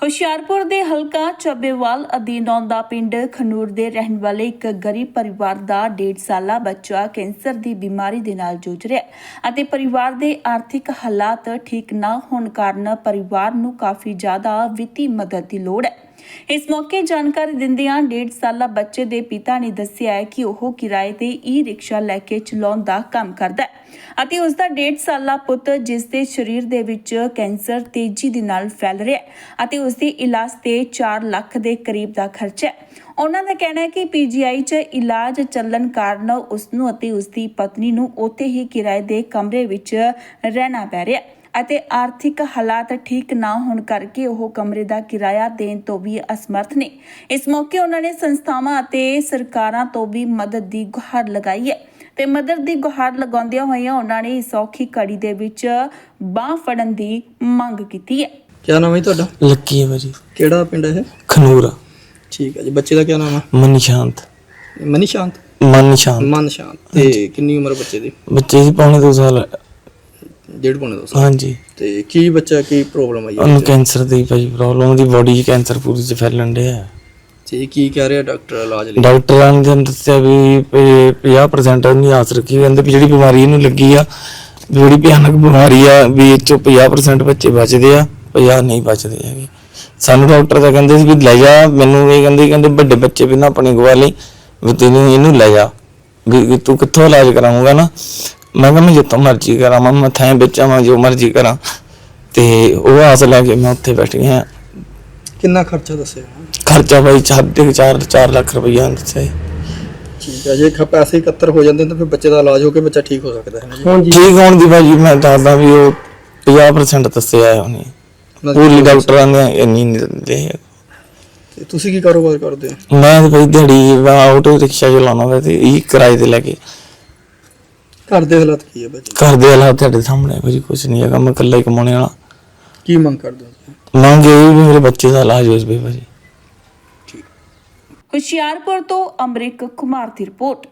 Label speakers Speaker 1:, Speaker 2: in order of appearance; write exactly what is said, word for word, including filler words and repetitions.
Speaker 1: ਹੁਸ਼ਿਆਰਪੁਰ ਦੇ ਹਲਕਾ ਚੱਬੇਵਾਲ ਅਧੀਨ ਆਉਂਦਾ ਪਿੰਡ ਖਨੂਰ ਦੇ ਰਹਿਣ ਵਾਲੇ ਇੱਕ ਗਰੀਬ ਪਰਿਵਾਰ ਦਾ ਡੇਢ ਸਾਲਾ ਬੱਚਾ ਕੈਂਸਰ ਦੀ ਬਿਮਾਰੀ ਦੇ ਨਾਲ ਜੂਝ ਰਿਹਾ ਹੈ ਅਤੇ ਪਰਿਵਾਰ ਦੇ ਆਰਥਿਕ ਹਾਲਾਤ ਠੀਕ ਨਾ ਹੋਣ ਕਾਰਨ ਪਰਿਵਾਰ ਨੂੰ ਕਾਫੀ ਜ਼ਿਆਦਾ ਵਿੱਤੀ ਮਦਦ ਦੀ ਲੋੜ ਹੈ। ਇਸ ਮੌਕੇ ਜਾਣਕਾਰੀ ਦਿੰਦਿਆਂ ਡੇਢ ਸਾਲਾ ਬੱਚੇ ਦੇ ਪਿਤਾ ਨੇ ਦੱਸਿਆ ਹੈ ਕਿ ਉਹ ਕਿਰਾਏ ਤੇ ਈ ਰਿਕਸ਼ਾ ਲੈ ਕੇ ਚਲਾਉਣ ਦਾ ਕੰਮ ਕਰਦਾ ਹੈ ਅਤੇ ਉਸ ਦਾ ਡੇਢ ਸਾਲਾ ਪੁੱਤ ਜਿਸ ਦੇ ਸਰੀਰ ਦੇ ਵਿੱਚ ਕੈਂਸਰ ਤੇਜ਼ੀ ਦੇ ਨਾਲ ਫੈਲ ਰਿਹਾ ਹੈ ਅਤੇ ਉਸ ਦੇ ਇਲਾਜ ਤੇ ਚਾਰ ਲੱਖ ਦੇ ਕਰੀਬ ਦਾ ਖਰਚਾ ਹੈ। ਉਹਨਾਂ ਦਾ ਕਹਿਣਾ ਹੈ ਕਿ ਪੀ ਜੀ ਆਈ 'ਚ ਇਲਾਜ ਚੱਲਣ ਕਾਰਨ ਉਸ ਨੂੰ ਅਤੇ ਉਸ ਦੀ ਪਤਨੀ ਨੂੰ ਉੱਥੇ ਹੀ ਕਿਰਾਏ ਦੇ ਕਮਰੇ ਵਿੱਚ ਰਹਿਣਾ ਪੈ ਰਿਹਾ ਹੈ ਅਤੇ ਆਰਥਿਕ ਹਾਲਾਤ ਠੀਕ ਨਾ ਹੋਣ ਕਰਕੇ ਉਹ ਕਮਰੇ ਦਾ ਕਿਰਾਇਆ ਦੇਣ ਤੋਂ ਵੀ ਅਸਮਰਥ ਨੇ। ਇਸ ਮੌਕੇ ਉਹਨਾਂ ਨੇ ਸੰਸਥਾਵਾਂ ਅਤੇ ਸਰਕਾਰਾਂ ਤੋਂ ਵੀ ਮਦਦ ਦੀ ਗੁਹਾਰ ਲਗਾਈ ਹੈ ਤੇ ਮਦਦ ਦੀ ਗੁਹਾਰ ਲਗਾਉਂਦਿਆਂ ਹੋਇਆਂ ਉਹਨਾਂ ਨੇ ਇਸ ਔਖੀ ਘੜੀ ਦੇ ਵਿੱਚ ਬਾਂਹ ਫੜਨ ਦੀ ਮੰਗ ਕੀਤੀ ਹੈ।
Speaker 2: क्या नाम है ਤੁਹਾਡਾ?
Speaker 3: ਲੱਕੀ ਹੈ ਭਾਜੀ।
Speaker 2: ਕਿਹੜਾ ਪਿੰਡ ਹੈ?
Speaker 3: ਖਨੂਰ।
Speaker 2: ਠੀਕ ਹੈ ਜੀ। ਬੱਚੇ ਦਾ ਕੀ ਨਾਮ ਹੈ?
Speaker 3: ਮਨ ਸ਼ਾਂਤ।
Speaker 2: ਮਨੀ ਸ਼ਾਂਤ।
Speaker 3: ਮਨ ਸ਼ਾਂਤ।
Speaker 2: ਮਨ ਸ਼ਾਂਤ। ਤੇ ਕਿੰਨੀ ਉਮਰ ਬੱਚੇ ਦੀ?
Speaker 3: ਬੱਚੇ ਦੀ ਪੌਣੇ ਦੋ ਸਾਲ।
Speaker 2: ਡੇਢ ਪੌਣੇ ਦੋ ਸਾਲ।
Speaker 3: ਹਾਂਜੀ।
Speaker 2: ਤੇ ਕੀ ਬੱਚਾ ਕੀ ਪ੍ਰੋਬਲਮ ਆਈ?
Speaker 3: ਉਹਨੂੰ ਕੈਂਸਰ ਦੀ ਭਾਜੀ ਪ੍ਰੋਬਲਮ, ਉਹਦੀ ਬੋਡੀ 'ਚ ਕੈਂਸਰ ਪੂਰੀ 'ਚ ਫੈਲਣ ਡਿਆ।
Speaker 2: ਤੇ ਕੀ ਕਹਿ ਰਿਹਾ ਡਾਕਟਰ ਇਲਾਜ ਲਈ?
Speaker 3: ਡਾਕਟਰਾਂ ਨੇ ਦੱਸਿਆ ਵੀ ਪੰਜਾਹ ਪਰਸੈਂਟ ਨਹੀਂ ਆਸ ਰੱਖੀ, ਕਹਿੰਦੇ ਵੀ ਜਿਹੜੀ ਬਿਮਾਰੀ ਇਹਨੂੰ ਲੱਗੀ ਆ ਬੜੀ ਭਿਆਨਕ ਬਿਮਾਰੀ ਆ, ਵੀ ਇਹ 'ਚੋਂ ਪੰਜਾਹ ਪਰਸੈਂਟ ਬੱਚੇ ਬਚਦੇ ਆ, ਪੰਜਾਹ ਨਹੀਂ ਬਚਦੇ ਹੈਗੇ। ਸਾਨੂੰ ਡਾਕਟਰ ਤਾਂ ਕਹਿੰਦੇ ਸੀ ਵੀ ਲੈ ਜਾ, ਮੈਨੂੰ ਇਹ ਕਹਿੰਦੇ ਕਹਿੰਦੇ ਵੱਡੇ ਬੱਚੇ ਵੀ ਨਾ ਆਪਣੇ ਗਵਾ ਲਈ, ਵੀ ਤੈਨੂੰ ਇਹਨੂੰ ਲੈ ਜਾ, ਵੀ ਤੂੰ ਕਿੱਥੋਂ ਇਲਾਜ ਕਰਾਉਂਗਾ ਨਾ। ਮੈਂ ਕਿਹਾ ਮੈਂ ਜਿੱਥੋਂ ਮਰਜ਼ੀ ਕਰਾਂ, ਮੈਂ ਥੈਂ ਵਿੱਚ ਆਵਾਂ ਜੋ ਮਰਜ਼ੀ ਕਰਾਂ। ਤੇ ਉਹ ਆਸ ਲੈ ਕੇ ਮੈਂ ਉੱਥੇ ਬੈਠ ਗਿਆ।
Speaker 2: ਕਿੰਨਾ ਖਰਚਾ ਦੱਸਿਆ?
Speaker 3: ਖਰਚਾ ਬਾਈ ਸਾਢੇ ਚਾਰ ਚਾਰ ਲੱਖ ਰੁਪਈਆ ਦੱਸਿਆ।
Speaker 2: ਠੀਕ ਹੈ। ਜੇ ਖ ਪੈਸੇ ਇਕੱਤਰ ਹੋ ਜਾਂਦੇ ਤਾਂ ਫਿਰ ਬੱਚੇ ਦਾ ਇਲਾਜ ਹੋ ਕੇ ਬੱਚਾ ਠੀਕ ਹੋ ਸਕਦਾ ਹੈ ਜੀ।
Speaker 3: ਠੀਕ ਹੋਣ ਦੀ ਭਾਜੀ ਮੈਂ ਦੱਸਦਾ ਵੀ ਉਹ ਪੰਜਾਹ ਪਰਸੈਂਟ ਦੱਸਿਆ ਉਹਨੇ, ਪੂਰੀ ਡਾਕਟਰਾਂ ਨੇ ਇੰਨੀ ਨਹੀਂ ਦਿੰਦੇ।
Speaker 2: ਤੇ ਤੁਸੀਂ ਕੀ ਕਾਰੋਬਾਰ ਕਰਦੇ ਹੋ?
Speaker 3: ਮੈਂ ਤਾਂ ਭਾਈ ਦਿਹਾੜੀ ਆਟੋ ਰਿਕਸ਼ਾ ਚਲਾਉਣਾ ਵਾ ਤੇ ਇਹ ਕਿਰਾਏ ਤੇ ਲੈ ਕੇ।
Speaker 2: ਘਰ ਦੇ ਹਾਲਾਤ ਕੀ ਹੈ ਬੱਚੇ?
Speaker 3: ਘਰ ਦੇ ਹਾਲਾਤ ਤੁਹਾਡੇ ਸਾਹਮਣੇ ਭਾਜੀ ਕੁਛ ਨਹੀਂ ਹੈਗਾ, ਮੈਂ ਇਕੱਲਾ ਹੀ ਕਮਾਉਣੇ ਵਾਲਾ।
Speaker 2: ਕੀ ਮੰਗ ਕਰਦੇ ਹੋ?
Speaker 3: ਮੰਗ ਇਹ ਵੀ ਮੇਰੇ ਬੱਚੇ ਦਾ ਇਲਾਜ ਹੋ ਜਾਵੇ ਭਾਜੀ।
Speaker 1: ਹੁਸ਼ਿਆਰਪੁਰ ਤੋਂ ਅਮਰਿਕ ਕੁਮਾਰ ਦੀ ਰਿਪੋਰਟ।